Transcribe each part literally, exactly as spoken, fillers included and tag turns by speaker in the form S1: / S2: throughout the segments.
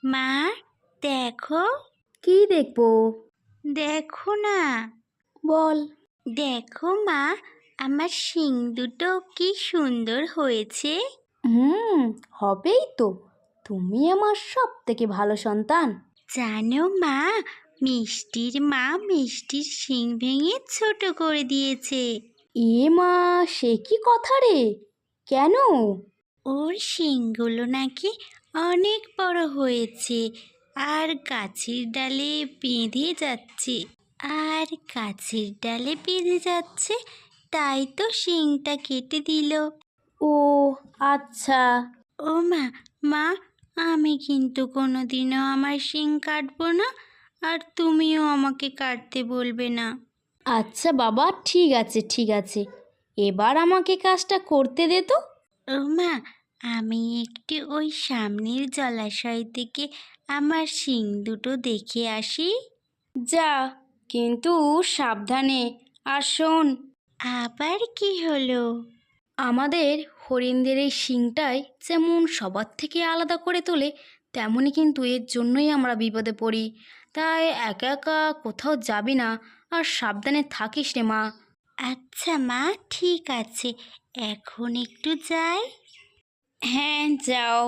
S1: মা, দেখো।
S2: কি দেখবো?
S1: দেখো না।
S2: বল।
S1: দেখো মা, আমার শিং দুটো কি সুন্দর হয়েছে।
S2: হুম, হবেই তো। তুমি আমার সব থেকে ভালো সন্তান।
S1: জানো মা, মিষ্টির মা মিষ্টির শিং ভেঙে ছোট করে দিয়েছে।
S2: এ মা, সে কি কথা রে? কেন?
S1: ওর শিংগুলো নাকি অনেক বড় হয়েছে আর গাছের ডালে বেঁধে যাচ্ছে। আর গাছের ডালে বেঁধে যাচ্ছে, তাই তো শিংটা কেটে দিল।
S2: ও আচ্ছা।
S1: ও মা, মা, আমি কিন্তু কোনোদিনও আমার শিং কাটবো না, আর তুমিও আমাকে কাটতে বলবে না।
S2: আচ্ছা বাবা, ঠিক আছে ঠিক আছে, এবার আমাকে কাজটা করতে দে তো।
S1: ও মা, আমি একটু ওই সামনের জলাশয় থেকে আমার শিং দুটো দেখে আসি।
S2: যা, কিন্তু সাবধানে। আর শোন,
S1: আবার কি হলো?
S2: আমাদের হরিণদের এই শিংটাই যেমন সবার থেকে আলাদা করে তোলে, তেমনই কিন্তু এর জন্যই আমরা বিপদে পড়ি। তাই একা একা কোথাও যাবি না, আর সাবধানে থাকিস রে মা।
S1: আচ্ছা মা, ঠিক আছে, এখন একটু যাই।
S2: হ্যাঁ, যাও।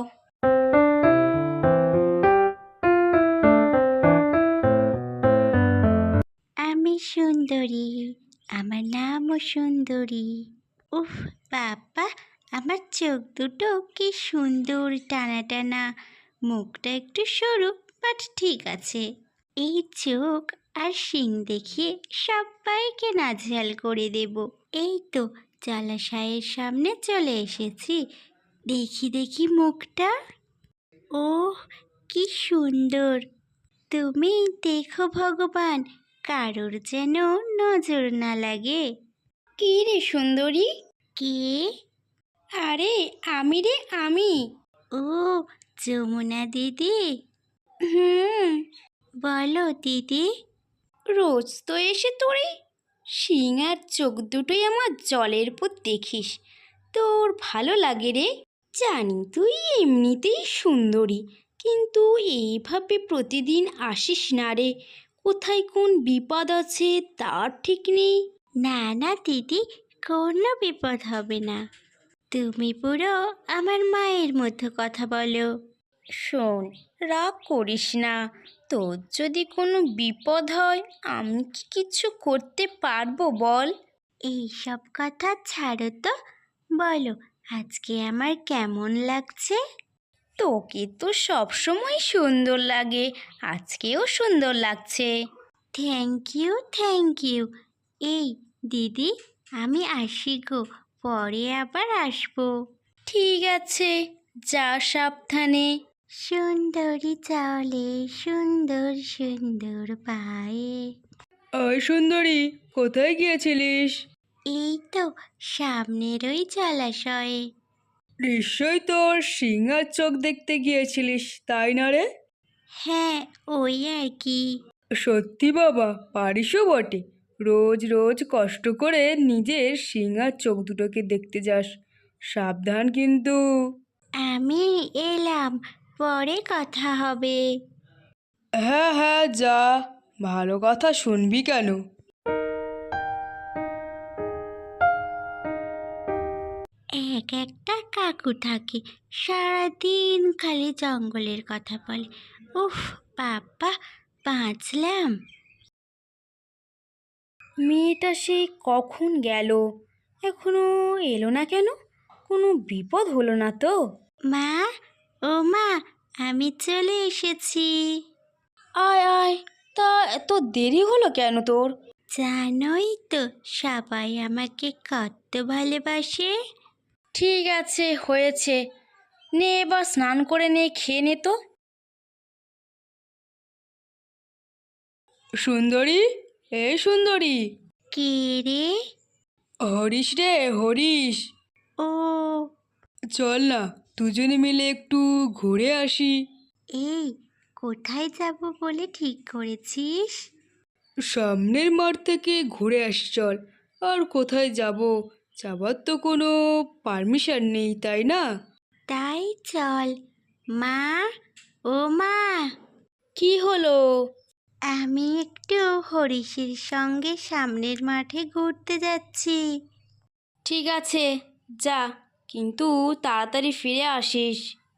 S1: আমি সুন্দরী, আমার নামও সুন্দরী। উফ বাবা, আমার চোখ দুটো কি সুন্দর টানা টানা। মুখটা একটু সরু, বাট ঠিক আছে। এই চোখ আর শিং দেখিয়ে সবাইকে নাজেহাল করে দেব। এই তো জলাশয়ের সামনে চলে এসেছি। দেখি দেখি মুখটা। ওহ, কি সুন্দর। তুমি দেখো ভগবান, কারোর যেন নজর না লাগে।
S2: কি রে সুন্দরী?
S1: কে?
S2: আরে আমি রে, আমি।
S1: ও, যমুনা দিদি।
S2: হুম।
S1: বলো দিদি।
S2: রোজ তো এসে তোর এই শিং আর চোখ দুটোই আমার জলের উপর দেখিস, তোর ভালো লাগে রে। জানি তুই এমনিতেই সুন্দরী, কিন্তু এইভাবে প্রতিদিন আসিস না রে। কোথায় কোন বিপদ আছে তার ঠিক নেই।
S1: না না দিদি, কোনো বিপদ হবে না। তুমি পুরো আমার মায়ের মতো কথা বলো।
S2: শোন, রাগ করিস না। তোর যদি কোনো বিপদ হয়, আমি কি কিছু করতে পারবো বল?
S1: এই সব কথা ছাড়ো তো। বলো, আজকে আমার কেমন লাগছে?
S2: তোকে তো সবসময় সুন্দর লাগে, আজকেও সুন্দর লাগছে।
S1: Thank you thank you. এই দিদি, আমি আসি গো, পরে আবার আসবো।
S2: ঠিক আছে, যা সাবধানে।
S1: সুন্দরী চলে সুন্দর সুন্দর পায়ে।
S3: ওই সুন্দরী, কোথায় গিয়েছিলিস?
S1: এই তো সামনের ওই জলাশয়ে।
S3: নিশ্চয়ই তোর শিং আর চোখ দেখতে গিয়েছিলিস, তাই না রে?
S1: হ্যাঁ, ওই আর কি।
S3: সত্যি বাবা, পারিসও বটে। রোজ রোজ কষ্ট করে নিজের শিং আর চোখ দুটোকে দেখতে যাস। সাবধান কিন্তু।
S1: আমি এলাম, পরে কথা হবে।
S3: হ্যাঁ হ্যাঁ, যা। ভালো কথা শুনবি কেন?
S1: এক একটা কাকু থাকে, সারাদিন খালি জঙ্গলের কথা বলে। উফ বাবা, বাঁচলাম।
S2: মেয়েটা সে কখন গেল, এখনো এলো না কেন? কোনো বিপদ হলো না তো?
S1: মা, ও মা, আমি চলে এসেছি।
S2: আয় আয়, তা এত দেরি হলো কেন তোর?
S1: জানোই তো, সবাই আমাকে কত ভালোবাসে।
S2: ঠিক আছে, হয়েছে। নে এবার স্নান করে নে, খেয়ে নে তো।
S3: সুন্দরী, এই সুন্দরী।
S1: কে রে?
S3: হরিশ রে, হরিশ।
S1: ও,
S3: চল না, দুজনে মিলে একটু ঘুরে আসি।
S1: এই, কোথায় যাব বলে ঠিক করেছিস?
S3: সামনের মাঠ থেকে ঘুরে আসি চল। আর কোথায় যাব? যাবার তো কোনো পারমিশন নেই, তাই না?
S1: তাই চল। মা, ও মা,
S2: কি হলো?
S1: আমি একটু হরিশের সঙ্গে সামনের মাঠে ঘুরতে যাচ্ছি।
S2: ঠিক আছে, যা, কিন্তু তাড়াতাড়ি ফিরে আসিস।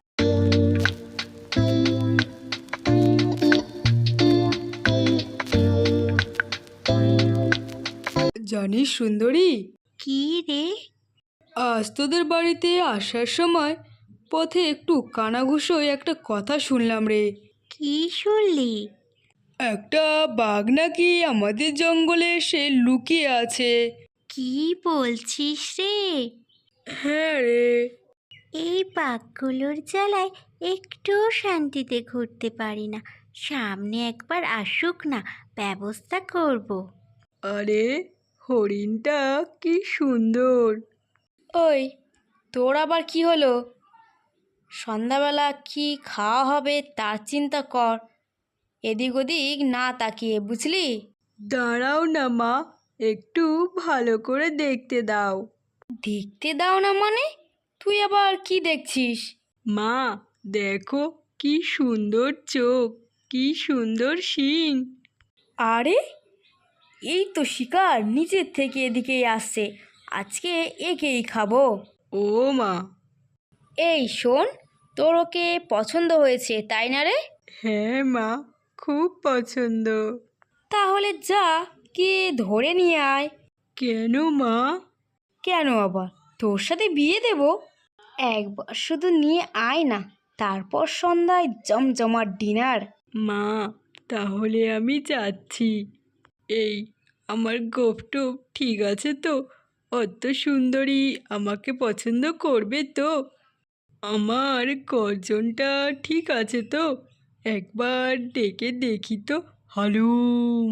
S3: জানিস সুন্দরী,
S1: কি রে?
S3: আজ তোদের বাড়িতে আসার সময় পথে একটু কানাঘুষোয় একটা কথা শুনলাম রে।
S1: কি শুনলি?
S3: একটা বাঘ নাকি আমাদের জঙ্গলে এসে লুকিয়ে আছে।
S1: কি বলছিস রে?
S3: হ্যাঁ রে।
S1: এই বাঘগুলোর জ্বালায় একটু শান্তিতে ঘুরতে পারি না। সামনে একবার আসুক না, ব্যবস্থা করব।
S3: আরে হরিণটা কি সুন্দর।
S2: ওই, তোর আবার কি হলো? সন্ধ্যাবেলা কি খাওয়া হবে তার চিন্তা কর, এদিক ওদিক না তাকিয়ে, বুঝলি?
S3: দাঁড়াও না মা, একটু ভালো করে দেখতে দাও।
S2: দেখতে দাও না মানে? তুই আবার কি দেখছিস?
S3: মা দেখো, কি সুন্দর চোখ, কি সুন্দর শিং।
S2: আরে, এই তো শিকার নিচের থেকে এদিকেই আসছে, আজকে একেই খাবো।
S3: ও মা।
S2: এই শোন, তোর ওকে পছন্দ হয়েছে তাই না রে?
S3: হ্যাঁ মা, খুব পছন্দ।
S2: তাহলে যা, কে ধরে নিয়ে আয়।
S3: কেন মা?
S2: কেন আবার, তোর সাথে বিয়ে দেব। একবার শুধু নিয়ে আয় না, তারপর সন্ধ্যায় জমজমাট ডিনার।
S3: মা তাহলে আমি যাচ্ছি। এই, আমার গোফটোপ ঠিক আছে তো? অত সুন্দরী আমাকে পছন্দ করবে তো? আমার গর্জনটা ঠিক আছে তো? একবার ডেকে দেখি তো। হালুম।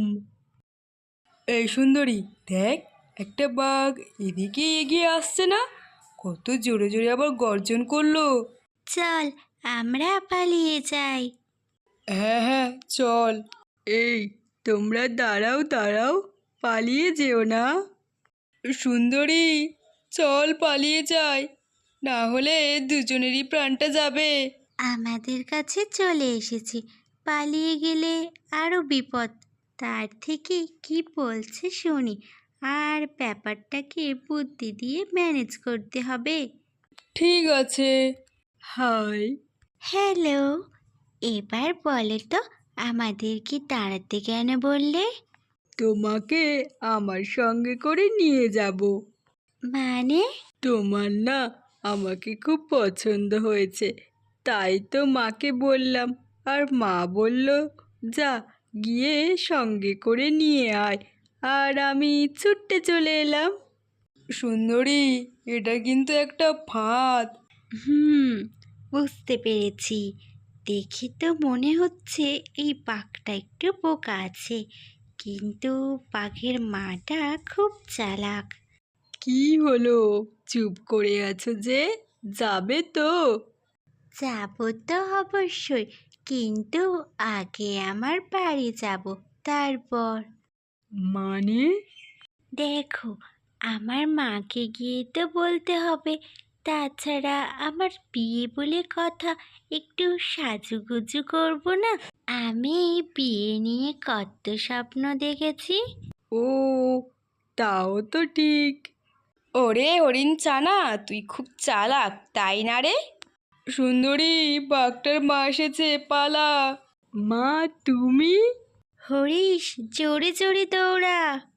S3: এই সুন্দরী, দেখ, একটা বাঘ এদিকে এগিয়ে আসছে না? কত জোরে জোরে আবার গর্জন করলো।
S1: চল, আমরা পালিয়ে যাই।
S3: হ্যাঁ হ্যাঁ চল। এই, তোমরা দাঁড়াও দাঁড়াও, পালিয়ে যেও না। সুন্দরী, চল পালিয়ে যাই, না হলে দুজনেরই প্রাণটা যাবে।
S1: আমাদের কাছে চলে এসেছি, পালিয়ে গেলে আরো বিপদ। তার থেকে কি বলছে শুনি, আর ব্যাপারটাকে বুদ্ধি দিয়ে ম্যানেজ করতে হবে।
S3: ঠিক আছে। হাই।
S1: হ্যালো, এবার বলে তো, আমাদেরকে তাড়াতে কেন বললে?
S3: তোমাকে আমার সঙ্গে করে নিয়ে যাব।
S1: মানে?
S3: তোমার না আমাকে খুব পছন্দ হয়েছে, তাই তো মাকে বললাম। আর মা বলল, যা, গিয়ে সঙ্গে করে নিয়ে আয়। আর আমি ছুটতে চলে এলাম। সুন্দরী, এটা কিন্তু একটা ফাঁদ।
S1: হুম, বুঝতে পেরেছি। দেখে তো মনে হচ্ছে এই বাঘটা একটু বোকা আছে, কিন্তু বাঘের মাটা খুব চালাক।
S3: কি হলো, চুপ করে আছো যে? যাবে তো?
S1: যাব তো অবশ্যই, কিন্তু আগে আমার বাড়ি যাব, তারপর।
S3: মানে?
S1: দেখো, আমার মাকে গিয়ে তো বলতে হবে। তাছাড়া আমার বিয়ে বলে কথা, একটু সাজুগুজু করব না? আমি বিয়ে নিয়ে কত স্বপ্ন দেখেছি।
S3: ও, তাও তো ঠিক।
S2: ওরে হরিণ চানা, তুই খুব চালাক তাই না রে?
S3: সুন্দরী, বাঘটার মা এসেছে, পালা। মা তুমি?
S1: হরিশ, জোরে জোরে দৌড়া।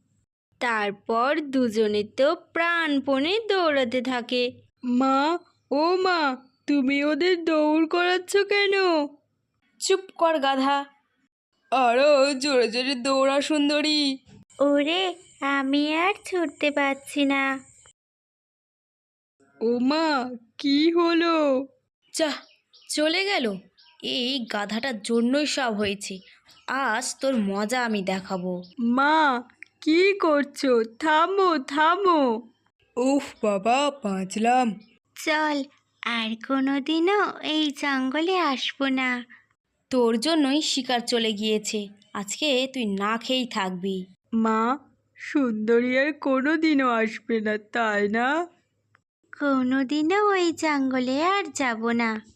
S1: তারপর দুজনে তো প্রাণপণে দৌড়াতে থাকে।
S3: মা, ও মা, তুমি ওদের দৌড় করাচ্ছ কেন?
S2: চুপ কর গাধা।
S3: আরো জোরে জোরে দৌড়া সুন্দরী।
S1: ওরে, আমি আর ছুটতে পারছি না।
S3: ও মা, কি হলো?
S2: যা, চলে গেল। এই গাধাটার জন্যই সব হয়েছে, আজ তোর মজা আমি দেখাবো।
S3: মা, কি করছো? থামো থামো। উফ বাবা, বাঁচলাম।
S1: চল, আর কোনোদিনও এই জঙ্গলে আসবো না।
S2: তোর জন্যই শিকার চলে গিয়েছে, আজকে তুই না খেয়েই থাকবি।
S3: মা, সুন্দরী আর কোনো দিনও আসবে না তাই না?
S1: কোনোদিনও ওই জঙ্গলে আর যাব না।